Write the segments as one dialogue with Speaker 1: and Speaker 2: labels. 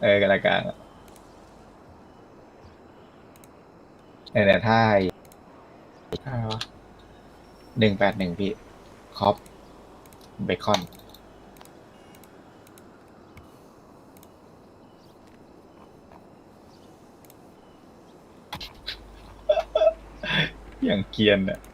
Speaker 1: กรายการเนี่ยถ้าอะไรวะ181พี่คอปเบคอนอย่างเกรียนอ่ะ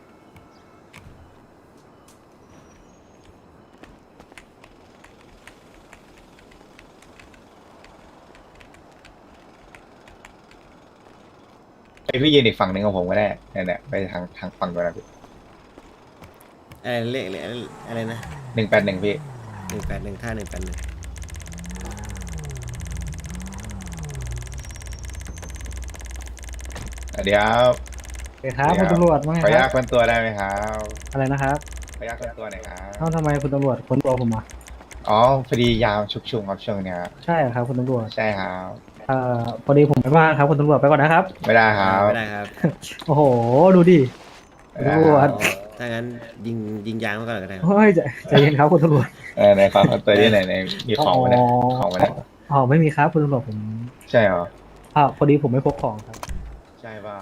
Speaker 1: ไอพี่ยืนอีกฝั่งหนึ่งของผมก็ได้เนี่ยไปทางฝั่งตัวนะพี่
Speaker 2: อะไรเลขอะไรนะ
Speaker 1: 181พี่
Speaker 2: 181ท่า181
Speaker 1: เดี๋ยว
Speaker 3: เดี๋ยวครับคุณตำรวจว่าไง
Speaker 1: ขออนุ
Speaker 3: ครับ
Speaker 1: ญาตคนตัวได้ไหมครับ
Speaker 3: อะไรนะครับ
Speaker 1: ขออนุญาตคนตัวหน่อยครั
Speaker 3: เอ้า
Speaker 1: บ
Speaker 3: ทำไมคุณตำรวจค้นตัวผมอ่ะ
Speaker 1: อ๋อพอดียามชุกชุมครับช่วงเนี้ย
Speaker 3: ใช่เหรอครับคุณตำรวจ
Speaker 1: ใช่ครับ
Speaker 3: พอดีผมไม่ว่างครับคุณตำรวจไปก่อนนะครับ
Speaker 1: ไม่ได้ครับ
Speaker 2: ไม่ได้ครับ
Speaker 3: โอ้โหดูดิ
Speaker 1: ไม่ได้
Speaker 3: คุณตำรวจ
Speaker 1: ครับ
Speaker 2: ถ้างั้นยิงยางมาก่อนก็ได้ครับ
Speaker 3: เฮ้ยใจเย็นครับคุณตำรวจ
Speaker 1: ในความคนตัวที่ไหนในมีของมาเนี่ยของมาเนี่ย
Speaker 3: อ๋อไม่มีครับคุณตำรวจผม
Speaker 1: ใช่เหรอ
Speaker 3: พอดีผมไม่พกของครับ
Speaker 1: ใช่เปล่า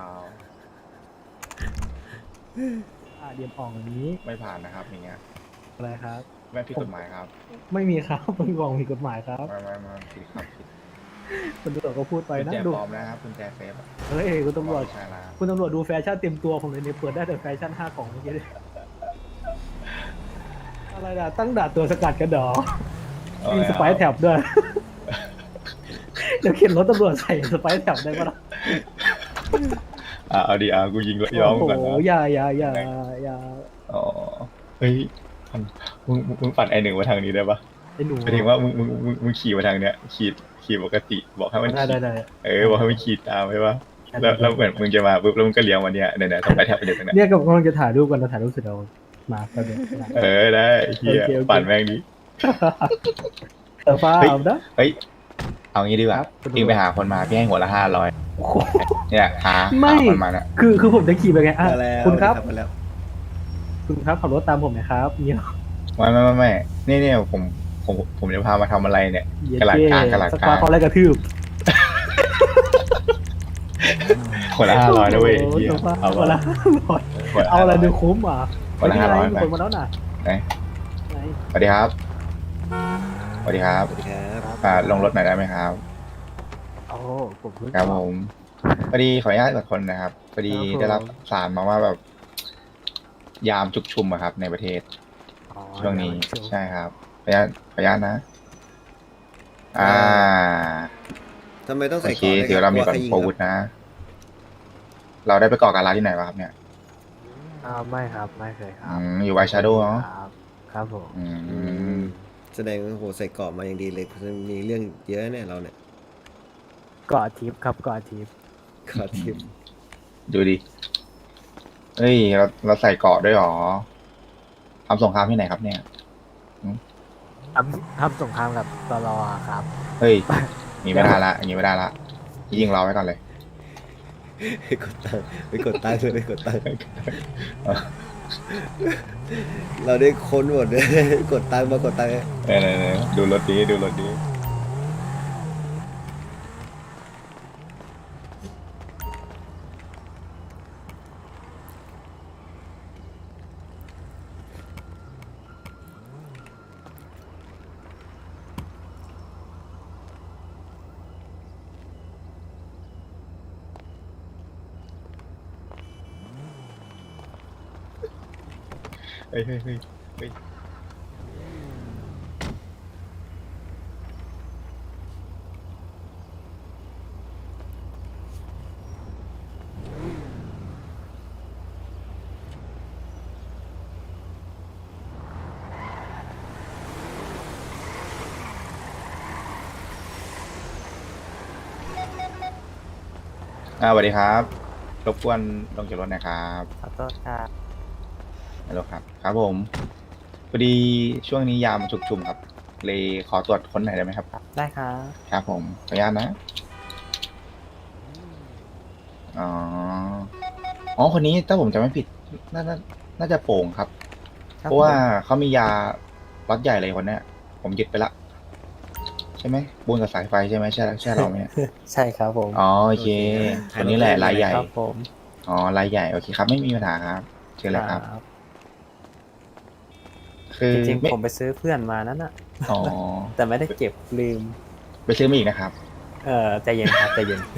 Speaker 3: เดียมอ่องอย่างนี้
Speaker 1: ไม่ผ่านนะครับอย่างเงี้ย
Speaker 3: อะไรครับ
Speaker 1: ไม่ผิด
Speaker 3: ผม
Speaker 1: กฎหมายครับ
Speaker 3: ไม่มีครับไม่มีของผิดกฎหมายครับ
Speaker 1: ไม่ผิดครับผิด
Speaker 3: คุณตำรวจก็พูดไป
Speaker 1: กุญ
Speaker 3: นะ
Speaker 1: แจ
Speaker 3: ดู
Speaker 1: ปลอมนะครับกุญแจเซฟอะ
Speaker 3: เฮ้ยคุณตำรวจ
Speaker 1: ไม่ใช่ละ
Speaker 3: คุณตำรวจดูแฟชั่นเต็มตัวผมเลยเนี่ยเปิดได้แต่แฟชั่น5 กล่องเมื่อกี้เลยอะไรนะตั้งด่านตัวสกัดกันเหรอมีสไปร์แท็บด้วย เดี๋ยวเข็นรถตำรวจใส่สไปร์แท็บได้ปะล่ะ
Speaker 1: เอาดีกูยิงย้อมก่อนนะ
Speaker 3: โอ้โหอย่า
Speaker 1: อ๋อเฮ้ยมันมึงปัดไอหนึ่งมาทางนี้ได้ปะ
Speaker 3: ไอ้หนู
Speaker 1: หมายถึงว่ามึงขี่มาทางเนี้ยขี่ปกติบอกให้มันขี่
Speaker 3: ได้
Speaker 1: บอกให้มันขี่ตามใช่ปะแล้วเหมือนมึงจะมาปุ๊บแล้วมึงก็เลี้ยวมาเนี่ยต้องไปแทบไปเด็กเนี่ย
Speaker 3: เนี่ยกำลังจะถ่ายรูปกันนะถ่ายรูปเสร็จเรามาแป๊บเดียว
Speaker 1: ได้เฮียปั่นแม่งดิ
Speaker 3: แต่ฟ้า
Speaker 1: เฮ้ย
Speaker 3: เอานะ
Speaker 1: เฮ้ย เอางี้ดีกว่าพี่ไปหาคนมาพี่ให้หัวละ500เนี่ยหาคนมาเนี่ย
Speaker 3: คือผมจะขี่ไปไงอ่ะ
Speaker 2: มาแล้ว
Speaker 3: คุณครับ
Speaker 2: มาแล้ว
Speaker 3: คุณครับขับรถตามผมหนะครับเนี่ย
Speaker 1: ไม่นี่ผมจะพามาทำอะไรเนี่ยกระหลักกลาง
Speaker 3: สปาเขาไล่กระทืบ
Speaker 1: หัวละ500นะเว้ยเฮีย
Speaker 3: เอา
Speaker 1: เอา
Speaker 3: ละเอาอะไรดูคุ้มอ่ะ
Speaker 1: หัวละ500
Speaker 3: มี
Speaker 1: ไป
Speaker 3: คนมาแล้วน่ะ
Speaker 1: ไหนสวัสดีครับสวัสดีครับ
Speaker 2: สวัสดีครับ
Speaker 1: ลงรถหน่อยได้ไหมครับ
Speaker 3: โอ้ผมเพิ่ง
Speaker 1: ครับผมพอดีขออนุญาตกับคนนะครับพอดีได้รับสารมาว่าแบบ ยามชุกชุมอะครับ ในประเทศช่วงนี้ใช่ครับขออนุญาตนะ
Speaker 2: ทำไมต้อง
Speaker 1: โอ
Speaker 2: ใส่
Speaker 1: เค
Speaker 2: เกราะด้วย
Speaker 1: เดี๋ยวเรามีก่อน
Speaker 2: กลัวใครยิง
Speaker 1: โปรวุธนะ เราได้ไปก่อการร้ายที่ไหนวะครับเนี่ย
Speaker 3: ไม่ครับไม่เคยครับ
Speaker 1: อยู่ไวชาโดว์เนาะ
Speaker 3: ครับผม
Speaker 2: แสดงว่าโหใส่เกราะมาอย่างดีเลยมีเรื่องเยอะเนี่ยเราเนี่ย
Speaker 3: เกาะทิพย์ครับเกาะทิพย์
Speaker 2: ขอทิป
Speaker 1: ดูดิเฮ้ยเราใส่เกราะด้วยหรอทำสงครามที่ไหนครับเนี่ย
Speaker 3: ทำสงครามกับตลอครับ
Speaker 1: เฮ้ยอย่างนี้ไม่ได้ละอย่างนี้ไม่ได้ละยิงเราไว้ก่อนเลย
Speaker 2: ไปกดตังค์เลยไปกดตังค์เราได้ค้นหมดเลยกดตังค์มากดตังค์
Speaker 1: เนี่ยดูรถดีเฮ้ยสวัสดีครับรบกวนลงจากรถนะครับ
Speaker 3: ขอโทษครับ
Speaker 1: ฮัลโหลครับผมพอดีช่วงนี้ยามชุกชุมครับเลยขอตรวจค้นหน่อยได้ไหมครับ
Speaker 3: ได้ครับ
Speaker 1: ครับผมขออนุญาตนะอ๋อคนนี้ถ้าผมจำไม่ผิดน่าจะโป่งครับ เพราะว่าเขามียาล็อตใหญ่เลยคนเนี้ยผมยึดไปละใช่ไหมปูนกับสายไฟใช่ไหมใช่เราไหมเนี่ย
Speaker 4: ใช่ครับผม
Speaker 1: อ๋อโอเคคนนี้แหละรายใหญ่
Speaker 4: ครับผม
Speaker 1: อ๋อรายใหญ่โอเคครับไม่มีปัญหาครับเชิญเลยครับ
Speaker 4: ครับ
Speaker 1: คือ
Speaker 4: จริง
Speaker 1: ไม่
Speaker 4: ๆผมไปซื้อเพื่อนมานั่นน่ะ
Speaker 1: อ๋อ
Speaker 4: แต่ไม่ได้เก็บลืม
Speaker 1: ไปซื้อมาอีกนะครับ
Speaker 4: ใจเย็นครับใจเย็น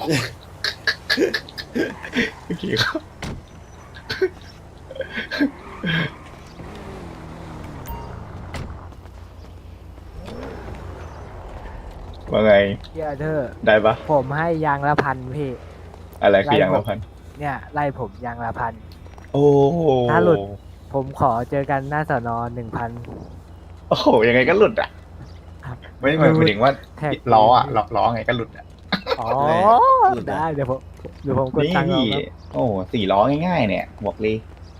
Speaker 1: โอเคครับว่าไง
Speaker 5: เหี้ยเธอ
Speaker 1: ได้ปะ
Speaker 5: ผมให้ยางละพันพี่
Speaker 1: อะไรคืออย่างละพัน
Speaker 5: เนี่ยไล่ผมยางละพัน
Speaker 1: โอ้โห
Speaker 5: ถ้าหลุด ผมขอเจอกันหน้าสอนอ1,000
Speaker 1: โอ้โหยังไงก็หลุดอ่ะ
Speaker 5: ครับ
Speaker 1: ไม่หมายถึงว่า
Speaker 5: แท็ก
Speaker 1: ล้ออ่ะล้อไงก็หลุดอ่ะ
Speaker 5: อ๋อ
Speaker 2: หลุดอะ
Speaker 5: ได้เดี๋ยวผมกด
Speaker 1: นี่
Speaker 5: ตังค์เอาครับ
Speaker 1: โอ้โห4 ล้อง่ายๆเนี่ยบอกเลย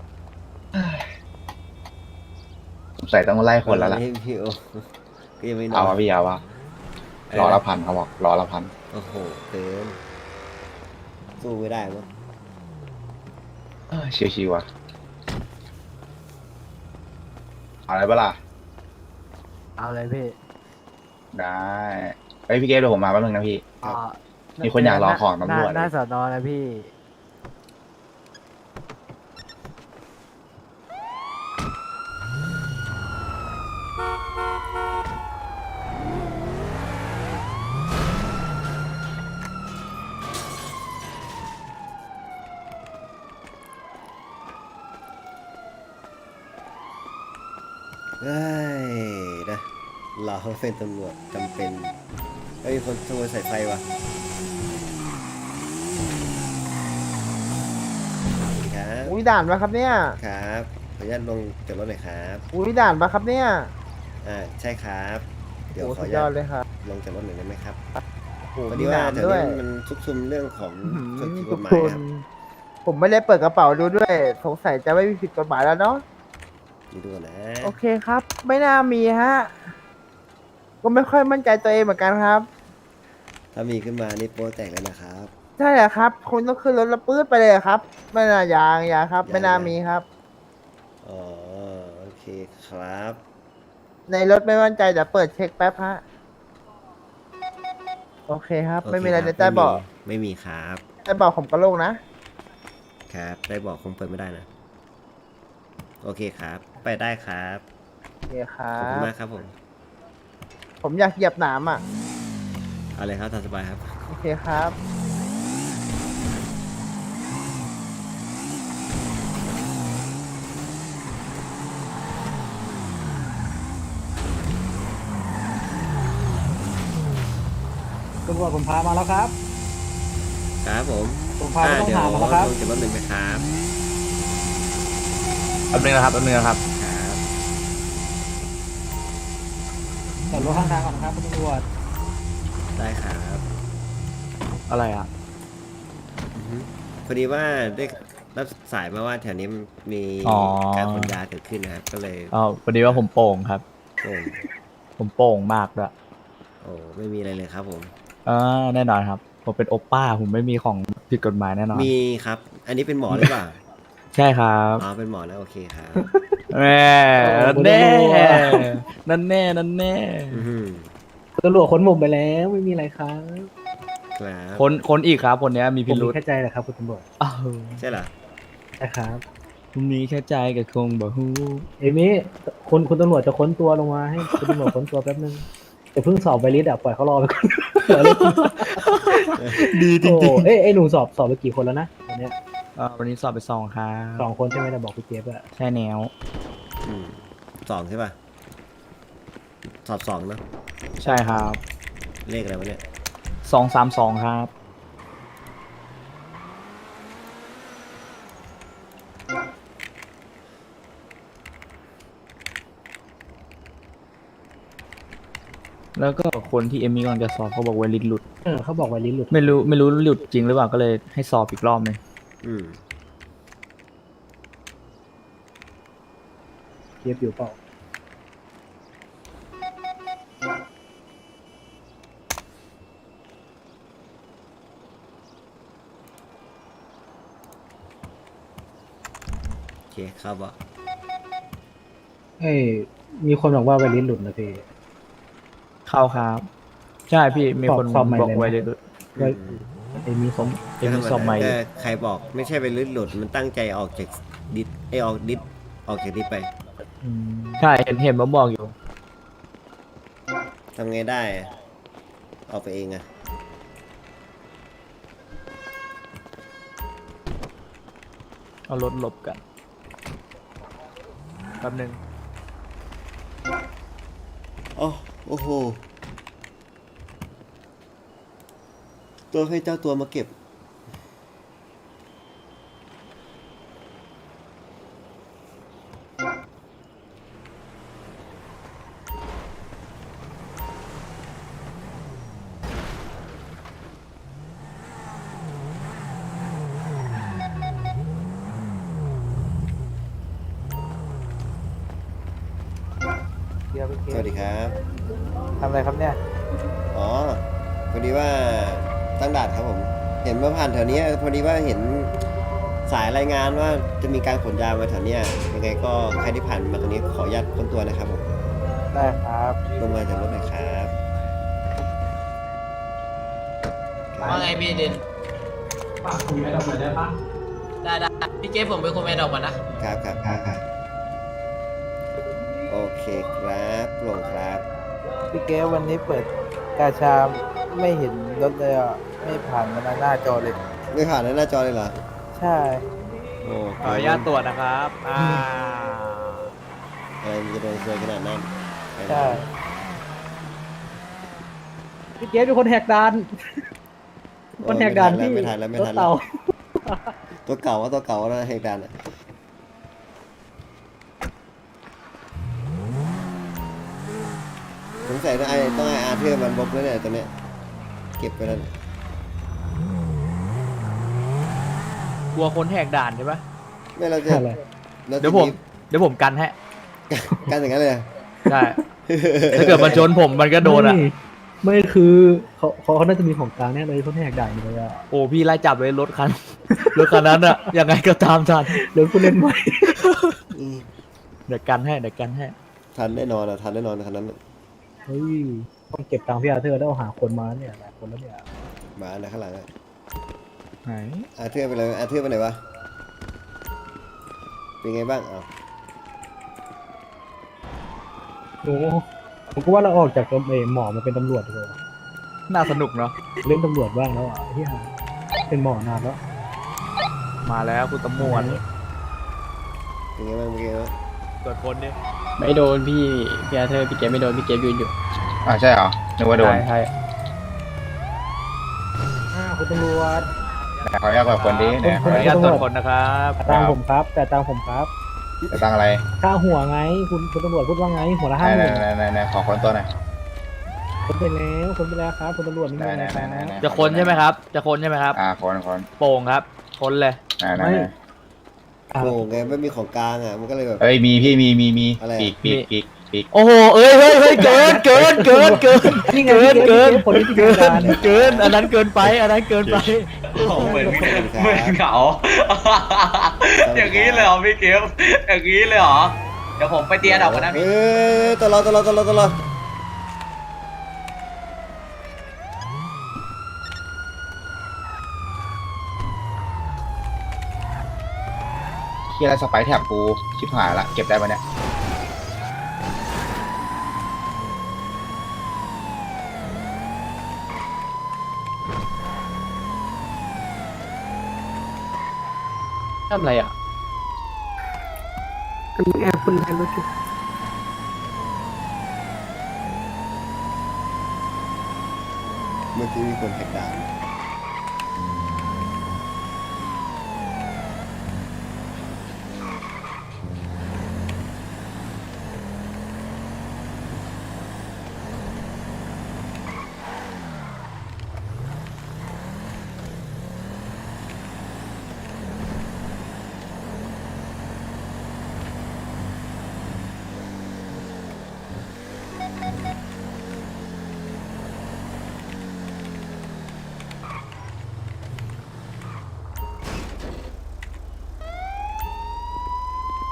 Speaker 1: สงสัยต้องไล่คนแล้วล่ะ
Speaker 2: พี่โอก็ยังไม่นอ
Speaker 1: เอา
Speaker 2: น
Speaker 1: วะพี่เอาวะล้อละพันเขาบอกล้อละพัน
Speaker 2: โอ้โหเกินสู้ไม่ได้มั้ง
Speaker 1: ชิวๆว่ะเอาอะไรปะล่ะ
Speaker 5: เอาเลยพี่
Speaker 1: ได้ไอยพี่เกฟเดี๋ยวผมมาแป๊บนึงนะพี่
Speaker 5: อ๋อ
Speaker 1: มีคนอยากรอของตำรวจ
Speaker 5: หน้าสอนอนะพี่
Speaker 2: เอ้ยนะเราเป็นตำรวจจำเป็นเฮ้ยคนขโมยสายไฟว่ะสวัสดีครับ
Speaker 6: อุ้ยด่านปะครับเนี่ย
Speaker 2: ครับขออนุญาตลงจากรถหน่อยครับ
Speaker 6: อุ้ยด่านปะครับเนี่ย
Speaker 2: ใช่ครับ เดี๋ยว
Speaker 6: โอ้
Speaker 2: ขอ
Speaker 6: สุ
Speaker 2: อ
Speaker 6: ด
Speaker 2: นุญาต
Speaker 6: ยอดเลยครับ
Speaker 2: ลงจากรถหน่อยได้ไหมครับ
Speaker 6: โอ้
Speaker 2: พอ
Speaker 6: มี
Speaker 2: ดีว่า
Speaker 6: ด่าน
Speaker 2: แถว
Speaker 6: ด้วย
Speaker 2: นี้มันซุกซุมเรื่องของ
Speaker 6: อื้อหือ
Speaker 2: คนผิดก
Speaker 6: ทุ
Speaker 2: ฎ
Speaker 6: ก
Speaker 2: หมา
Speaker 6: ค
Speaker 2: ย
Speaker 6: น
Speaker 2: ครับ
Speaker 6: ผมไม่ได้เปิดกระเป๋าดูด้วย สงสัยจะไม่มีผิดกฎหมายแล้วเนาะ
Speaker 2: ดูก่อนนะ
Speaker 6: โอเคครับ ไม่น่ามีฮะ ก็ไม่ค่อยมั่นใจตัวเองเหมือนกันครับ
Speaker 2: ถ้ามีขึ้นมานี่โป๊แตกแล้วนะครับ
Speaker 6: ใช่แหละครับคุณต้องขึ้นรถแล้วปื๊ดไปเลยครับ ไม่น่ายางครับ ไม่น่ามีครับ
Speaker 2: อ๋อโอเคครับ
Speaker 6: ในรถไม่มั่นใจเดี๋ยวเปิดเช็คแป๊บฮะ โอเคครับ ไม่มีอะไรในใต้เบอก
Speaker 2: ไม่มีครับ
Speaker 6: ใต้เบอกผมก็โล่งนะ
Speaker 2: ครับได้บอกคงเปิดไม่ได้นะ โอเคครับ ไปได้ครับ
Speaker 6: โอเคครั
Speaker 2: ขอบคุณ
Speaker 6: บ
Speaker 2: มากครับผม
Speaker 6: ผมอยากเหยียบหนามอ่ะ
Speaker 2: เอาเลยครับตามสบายครับ
Speaker 6: โอเคครับ
Speaker 3: ตำรวจผมพามาแล้วครับ
Speaker 2: ครับผม
Speaker 3: ผมพาผู้ต้อง
Speaker 2: เดี๋ยว
Speaker 3: หามาแล้วครับ
Speaker 2: ลงจากรถหนึ่งไหมครับ
Speaker 1: แป๊บนึงนะครับแป๊บนึงนะครับ
Speaker 2: ครับ
Speaker 3: จอดรถข้างทางก่อนนะครับคุณตำรวจ
Speaker 2: ได้ครับ
Speaker 1: อะไรอ่ะ
Speaker 2: อือฮึพอดีว่าได้รับสายมาว่าแถวนี้มี
Speaker 7: อ๋อ
Speaker 2: การขนยาเกิดขึ้นนะครับ ก็เลย
Speaker 7: อ๋อพอดีว่าผมโป่งครับ
Speaker 2: โอ้
Speaker 7: ผมโป่งมากด้วย
Speaker 2: โอ้ไม่มีอะไรเลยครับผม
Speaker 7: แน่นอนครับ ผมเป็นโอป้า ผมไม่มีของผิดกฎหมายแน่นอน
Speaker 2: มีครับ อันนี้เป็นหมอหรือเปล่า
Speaker 7: ใช่ครับ
Speaker 2: อ๋อเป็นหมอแล้วโอเคครับ
Speaker 7: แม่นั่นแน่นั่นแน่นั่นแน่
Speaker 2: อือฮึ
Speaker 3: ตำรวจค้นผมไปแล้วไม่มีอะไรครับ
Speaker 2: ครับ
Speaker 7: คนอีกครับ คนเนี้ยมี
Speaker 3: ผ
Speaker 7: พิ
Speaker 3: ม
Speaker 7: รุ
Speaker 3: มี
Speaker 7: ษ
Speaker 3: แค่ใจแหละครับคุณตำรวจ
Speaker 7: อ้าว
Speaker 2: ใช่เหรอ
Speaker 3: ใช่ครับ
Speaker 7: ผมมีแค่ใจกับคงบ่ฮู้
Speaker 3: เอมี่คุณตำรวจจะค้นตัวลงมาให้คุณตำรวจค้นตัวแป๊บนึงแต่เพิ่งสอบไปลิสต์อ่ะปล่อยเขารอไปก่อน
Speaker 7: ดีจริง
Speaker 3: โอ้เอ้ยหนูสอบไปกี่คนแล้วนะวันเนี้ย
Speaker 7: ๆวันนี้สอบไป2ครับ
Speaker 3: 2 คนใช่ไหมแต่บอกพี่เจฟอะ
Speaker 7: ใช่แนว
Speaker 2: อืมสองใช่ป่ะ สอบสองเนอะ
Speaker 7: ใช่ครับ
Speaker 2: เลขอะไรวะเนี่ย
Speaker 7: 232ครับ แล้วก็คนที่เอมมี่กำลังจะสอบเขาบอกว่าลิ้นหลุด
Speaker 3: เขาบอกว่าลิ้นหลุด
Speaker 7: ไม่รู้หลุดจริงหรือเปล่าก็เลยให้สอบอีกรอบหนึง
Speaker 2: อืม
Speaker 3: เจฟอยู่เปล่า
Speaker 2: โอเคครับอ่ะ
Speaker 3: เอ้ยมีคนบอกว่าไวลิ้นหลุดนะพี่
Speaker 7: เข้าครับใช่พี่มีคน
Speaker 3: สอบใหม่
Speaker 7: บอก
Speaker 3: เลยนะ
Speaker 7: ไว้เลย
Speaker 3: ก็ไอ้มีสม
Speaker 7: เอ็มสอบใหม่
Speaker 2: ก็ใครบอกไม่ใช่ไปลื่นหลุดมันตั้งใจออกจากดิสไอออกดิสออกจากดิสไป
Speaker 7: ใช่เห็นมาบอกอยู่
Speaker 2: ทำไงได้อะออกไปเองอะ
Speaker 7: เอารถหลบกันแป๊บนึง
Speaker 2: โอ้โหตัวให้เจ้าตัวมาเก็บ
Speaker 5: เดี๋ยวพี่เก
Speaker 2: สวัสดีครับ
Speaker 5: ทำอะไรครับเนี่ย
Speaker 2: อ๋อพอดีว่าตั้งด่านครับผม เห็นมาผ่านแถวเนี้ยพอดีว่าเห็นสายรายงานว่าจะมีการขนยามาแถวเนี้ยยังไงก็ใครที่ผ่านมาตรงนี้ขออนุญาตค้นตัวนะครับผม
Speaker 5: ได้ครับ
Speaker 2: ลงมาจากรถหน่อยครับ
Speaker 8: ว่าไงพี่ดินฝากคุยแม่ดอกหน่อยได้ปะได้พี่เกฟผมไปคุยแม่ดอกก่อนนะ
Speaker 2: ครับโอเคครับโปร่งครับ
Speaker 5: พี่เกวันนี้เปิดกาชาไม่เห็นรถเลยอ่ะ ไม่ผ่านมาหน้าจอเลย
Speaker 2: ไม่ผ่านหน้าจอเลยเหรอ
Speaker 5: ใช่
Speaker 2: โอ้
Speaker 7: ขออนุญาตตรวจนะครับ
Speaker 2: อะไรมันจะโดนซวยขนาดนั้น
Speaker 5: ใช่
Speaker 3: พี่เกสเป็นคนแหกด่านคนแหกด่านที่
Speaker 2: ไม่ทันแล้ว
Speaker 3: รถเต่า
Speaker 2: ตัวเก่าว่าตัวเก่านะเหตุการณ์อะสงสัยต้องให้อาเธอร์มันบล็อกแล้วเนี่ยตัวเนี้ยเก็บไปแล้วเนี่ย
Speaker 7: กลัวคนแหกด่านใช่ปะ
Speaker 2: ไม่เราจะ
Speaker 3: อะไร
Speaker 2: เราจะ
Speaker 7: เดี๋ยวผมกันให้
Speaker 2: กันอย่างนั้นเลย
Speaker 7: ได้ ถ้าเกิดมันชนผมมันก็โดนอ่ะ
Speaker 3: ไม่คือเขาน่าจะมีของกลางแน่เลยเขาแหกด่านเลยอ่ะ
Speaker 7: โอ้พี่ไล่จับเลยรถคัน รถคันนั้นอ่ะยังไงก็ตามทัน
Speaker 3: เดี๋ยวกูเล่นใหม่
Speaker 7: เดี๋ยวกันให้
Speaker 2: ทันแน่นอนอะทันแน่นอนคันนั้นอะ
Speaker 3: เฮ้ยต้องเก็บตังค์พี่อาเธอร์แล้วหาคนมาเนี่ยหลายคนแล้วเนี่ย
Speaker 2: มาอันไหนข้างหลังอะ
Speaker 7: ไหน
Speaker 2: อาเธอร์ไปเลยอาเธอร์ไปไหนวะเป็นไงบ้างอ้าว
Speaker 3: โอ้ผมก็ว่าเราออกจากหมอมาเป็นตำรวจดีกว่า
Speaker 7: น่าสนุกเนาะ
Speaker 3: เล่นตำรวจบ้างแล้วอ่ะที่หาเป็นหมอนานแล้ว
Speaker 7: มาแล้วคุณตำรวจ
Speaker 2: เป็นไงบ้างเมื่อกี้วะ
Speaker 7: ตรวจคนดิ
Speaker 9: ไม่โดนพี่อาเธอร์พี่เกมไม่โดนพี่เกมยืนอยู่
Speaker 1: ใช่เหรอนึกว่าโดน
Speaker 7: ใช่
Speaker 3: คุณตำรวจ
Speaker 1: ขออนุญาตกับคนดีเนี่ย
Speaker 7: ขออนุญาตตรวจคนนะครับ
Speaker 3: แต่ตังค์ผมครับ แต่ตังค์ผมครับ
Speaker 1: จะตั้งอะไร
Speaker 3: ค่าหัวไงคุณตำรวจพูดว่าไงหัวละ
Speaker 1: ไห
Speaker 3: 50,000
Speaker 1: นขอคนตัวหน่อย
Speaker 3: คนไปแล้วครับคุณตำรวจไม่มีอะไรครับ
Speaker 7: จะคนใช่ไหมครับ จะคนใช่ไหมครับ
Speaker 1: คน
Speaker 7: โป่งครับ คนเลย
Speaker 1: ไหน
Speaker 2: โง่ไงไม่มีของกลางอะมันก็เลยแบบ
Speaker 1: เอ้ยมีพี่มี
Speaker 2: อะไรอะ
Speaker 1: ปีก
Speaker 7: โอ้โห เอ้ยเกิน
Speaker 3: นี่ไง
Speaker 7: เกิน
Speaker 3: คนที่พิการ
Speaker 7: เกิน อันนั้นเกินไป
Speaker 8: เหมือนเหงา อย่างนี้เลยเหรอพี่เกฟอย่างนี้เลยเหรอ เดี๋ยวผมไปเตียดอกกันนะพี่
Speaker 2: เอ้ยตลอด
Speaker 1: เฮียอะไรสไปร์แถบกูชิบหายละเก็บได้ปะเนี่ย
Speaker 7: ทำอะไรอ่ะ
Speaker 2: เมื่อกี้มีคนแหกด่าน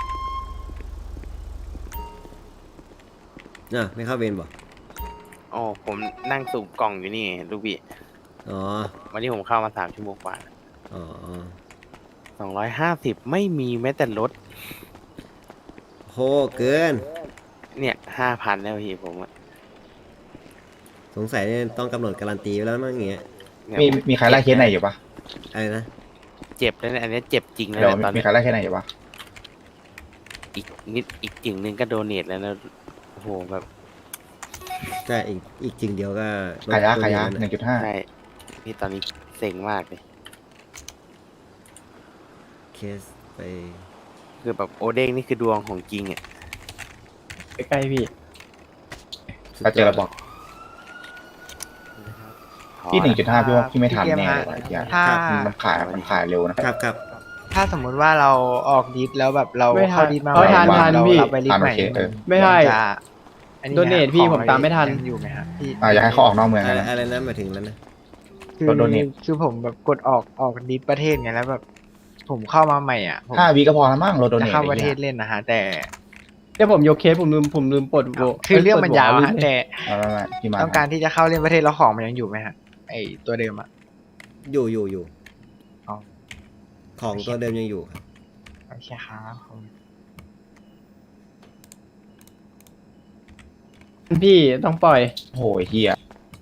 Speaker 2: ไม่เข้าเวรบ่
Speaker 9: อ๋อ
Speaker 10: ผมนั่งสูบกล่องอยู่นี่ลูกพี่
Speaker 2: อ๋อ
Speaker 10: วันนี้ผมเข้ามา3 ชั่วโมงกว่า
Speaker 2: อ๋อ
Speaker 10: 250ไม่มีแม้แต่รถ
Speaker 2: โหเกิน
Speaker 10: เนี่ย5,000แล้วพี่ผมอะ
Speaker 2: สงสัยเนี่ยต้องกำหนดการันตีไว้แล้วมั้งอย่างเงี้ย
Speaker 10: เนี่ย
Speaker 1: มีใครไล่เคสไหนอยู่ปะ
Speaker 2: อะไรนะ
Speaker 10: เจ็บแล้วเนี่ยอันนี้เจ็บจริงแล้ว
Speaker 1: เดี๋ยว
Speaker 10: เนี่ยตอน
Speaker 1: มี
Speaker 10: นี้
Speaker 1: ใครไล่เคสไหนอยู่ปะ
Speaker 10: อีกจึงหนึ่งก็โดเนทแล้วนะโอ้โหแบบ
Speaker 2: ใช่อีกจริงเดียวก็ลด
Speaker 1: ขายยะ
Speaker 2: ตัว
Speaker 1: ขายยะ
Speaker 2: เงิน
Speaker 1: 1.5
Speaker 10: ใช่พี่ตอนนี้เซ็งมากเลย
Speaker 2: เคสไป
Speaker 10: คือแบบโอเด้งนี่คือดวงของจริงอ่ะ
Speaker 9: ใกล้ๆพี่
Speaker 1: ถ้าเจอเราบอกพี่ 1.5 พี่ว่าพี่ไม่ทันแน่เลยว่ะไอ้เหี้ย
Speaker 6: ถ้า
Speaker 1: มันขายเร็วนะครับ
Speaker 2: ครับ
Speaker 6: ถ้าสมมุติว่าเราออกดิสแล้วแบบเรา
Speaker 9: ไม่ทัน
Speaker 6: เข้าดิสมา
Speaker 9: เออทัน
Speaker 6: ใหม่
Speaker 9: ทัน
Speaker 6: เรา
Speaker 9: พี่
Speaker 6: เราไปดิส
Speaker 1: ทัน
Speaker 6: ใหม่
Speaker 1: โอเคเออ
Speaker 9: ไม่ใช่
Speaker 6: นจะอันนี้
Speaker 9: โดเนทพี่
Speaker 6: ของ
Speaker 9: ผมตามไม่ทัน
Speaker 6: ยังอยู่ไหมครับพี่
Speaker 1: อยากให้เขาออกนอกเมือง
Speaker 2: อะไร
Speaker 1: นะ
Speaker 2: อะไรนะหมายถึงนั้นนะ
Speaker 6: คือ
Speaker 1: โดเนท
Speaker 6: คือผมแบบกดออกดิสประเทศไงแล้วแบบผมเข้ามาใหม่อ่ะผม
Speaker 1: 5 วิก็พอแล้วมั้งโรโด
Speaker 6: จะ
Speaker 1: เนท
Speaker 6: เข้าประเทศเล่นนะฮะแต่
Speaker 9: เดี๋ยวผมยกเคสผมลืมปลดโว
Speaker 6: คือเรื่องมันยาว
Speaker 9: เปิด
Speaker 6: ฮะ
Speaker 9: หั
Speaker 6: แต่
Speaker 1: ไม่พี่มา
Speaker 6: ต้องการที่จะเข้าเล่นประเทศแล้วของมันยังอยู่ไหมฮะไอตัวเดิมอ่ะ
Speaker 2: อยู่
Speaker 6: อ๋อ
Speaker 2: ของตัวเดิมยังอยู่ครับ
Speaker 6: โอเคครับผม
Speaker 9: พี่ต้องปล่อย
Speaker 1: โอ้ยเฮีย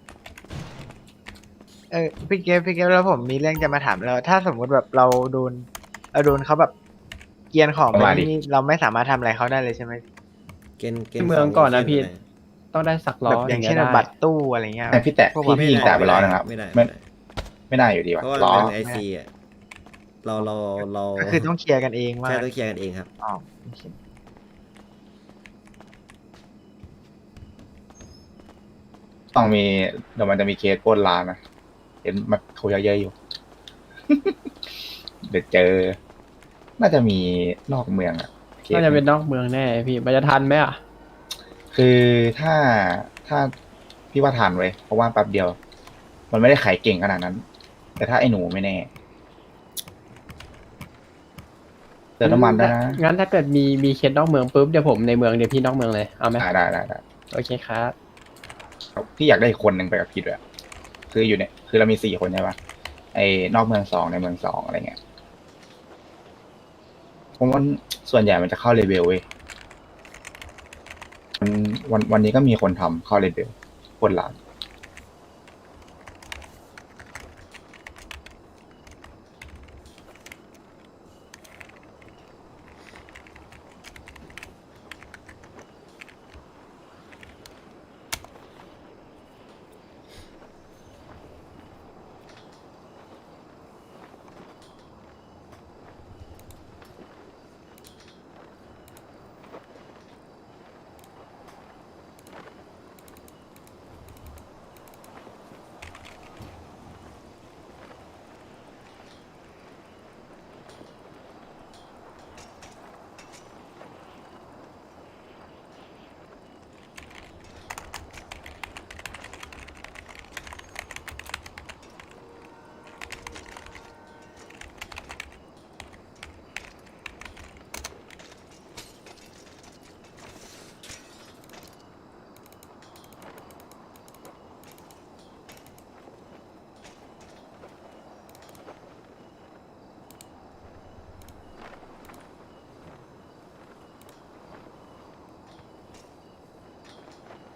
Speaker 6: พี่เกฟแล้วผมมีเรื่องจะมาถามแล้วถ้าสมมุติแบบเราโดนเขาแบบเกรียนของไปนี่เราไม่สามารถทำอะไรเขาได้เลยใช่ไหม
Speaker 2: เกณฑ์
Speaker 9: เมืองก่อนนะพี่
Speaker 2: เช่ไห
Speaker 9: ต้องได้สักล้
Speaker 6: แบ
Speaker 9: อบ
Speaker 6: อย่าง
Speaker 9: ถึ
Speaker 6: เช่น
Speaker 9: จะได้
Speaker 6: บัตรตู้อะไรเงี้ย
Speaker 1: แต่พี่แตะ
Speaker 6: พวก
Speaker 1: พี่ยิงแตะไปร้อยนะครับ
Speaker 2: ไม่ได้
Speaker 1: ไม่ได้อยู่ดีว่ะ
Speaker 2: เพราะว่า
Speaker 1: ล้อ
Speaker 2: มันเป็นไอซีอ่ะเรา
Speaker 6: ก็คือต้องเคลียร์กันเองว่า
Speaker 2: ใช่ต้องเคลียร์กันเองครับ
Speaker 6: อ๋อโอเค
Speaker 1: ต้องมีเดี๋ยวมันจะมีเคสปล้นร้านนะเห็นมันเขาเยอะๆอยู่ เดี๋ยวเจอ น่าจะมีนอกเมืองอะเคส
Speaker 9: น่าจะเป็นนอกเมืองแน่พี่มันจะทันไหมอ่ะ
Speaker 1: คือถ้าพี่ว่าทันไว้ยเพราะว่าแป๊บเดียว มันไม่ได้ขายเก่งขนาดนั้น แต่ถ้าไอ้หนูไม่แน่เติมน้ำมันได้นะ
Speaker 9: งั้นถ้าเกิดมีเคสนอกเมืองปุ๊บเดี๋ยวผมในเมืองเดี๋ยวพี่นอกเมืองเลยเอาไหม
Speaker 1: ได้
Speaker 9: โอเคครับ
Speaker 1: พี่อยากได้อีกคนหนึ่งไปกับพี่ด้วยคืออยู่เนี่ยคือเรามี4 คนใช่ปะไอ้นอกเมือง2ในเมือง2อะไรเงี้ยผมว่าส่วนใหญ่มันจะเข้าเลเวลเว้ยวันนี้ก็มีคนทำเข้าเลเวลคนหลัง